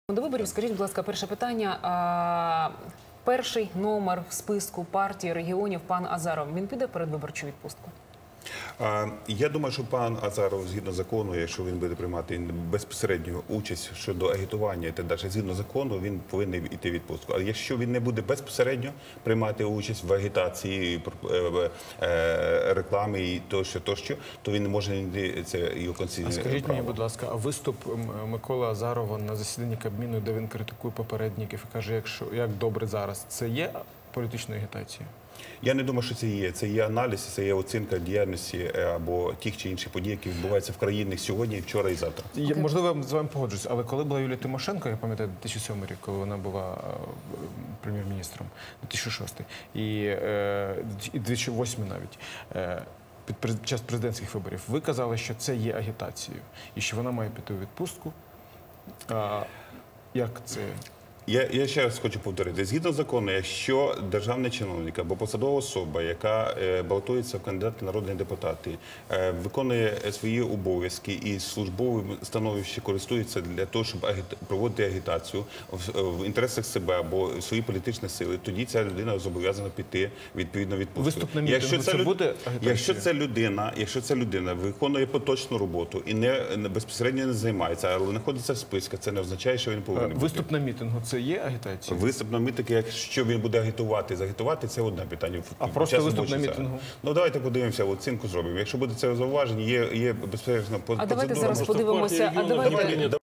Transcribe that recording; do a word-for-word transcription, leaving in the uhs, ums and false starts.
До виборів, скажіть, будь ласка, перше питання. А, перший номер в списку партії регіонів пан Азаров, він піде в передвиборчу відпустку? Я думаю, що пан Азаров, згідно закону, якщо він буде приймати безпосередню участь щодо агітування, і так далі, згідно закону, він повинен йти в відпустку. Але якщо він не буде безпосередньо приймати участь в агітації, рекламі і тощо, тощо, то він не може йти, це його конституційне право. Скажіть мені, будь ласка, а виступ Миколи Азарова на засіданні Кабміну, де він критикує попередників і каже, якщо, як добре зараз, це є політичною агітацією? Я не думаю, що це є. Це є аналіз, це є оцінка діяльності або тих чи інших подій, які відбуваються в країні сьогодні, вчора і завтра. Я, можливо, я з вами погоджуюсь, але коли була Юлія Тимошенко, я пам'ятаю, дві тисячі сьомий рік, коли вона була прем'єр-міністром, дві тисячі шостий, і, е, і дві тисячі восьмий навіть, е, під час президентських виборів, ви казали, що це є агітацією, і що вона має піти у відпустку. А, як це? Я, я ще раз хочу повторити. Згідно закону, якщо державний чиновник або посадова особа, яка е, балотується в кандидати в народні депутати, е, виконує свої обов'язки і службовим становищем користується для того, щоб агіт... проводити агітацію в, в інтересах себе або свої політичні сили, тоді ця людина зобов'язана піти відповідно відпустку. Виступ на мітингу, це люд... буде агітація? Якщо ця людина, якщо ця людина виконує поточну роботу і не, не безпосередньо не займається, але знаходиться в списку, це не означає, що він повинен бути. Виступ на мітингу – це є агітація? Виступ на мітингу, якщо він буде агітувати, загітувати, це одне питання. А просто виступ на мітингу? Ну, давайте подивимося, оцінку зробимо. Якщо буде це зауваження, є, є безпечно... А давайте зараз подивимося. А давайте...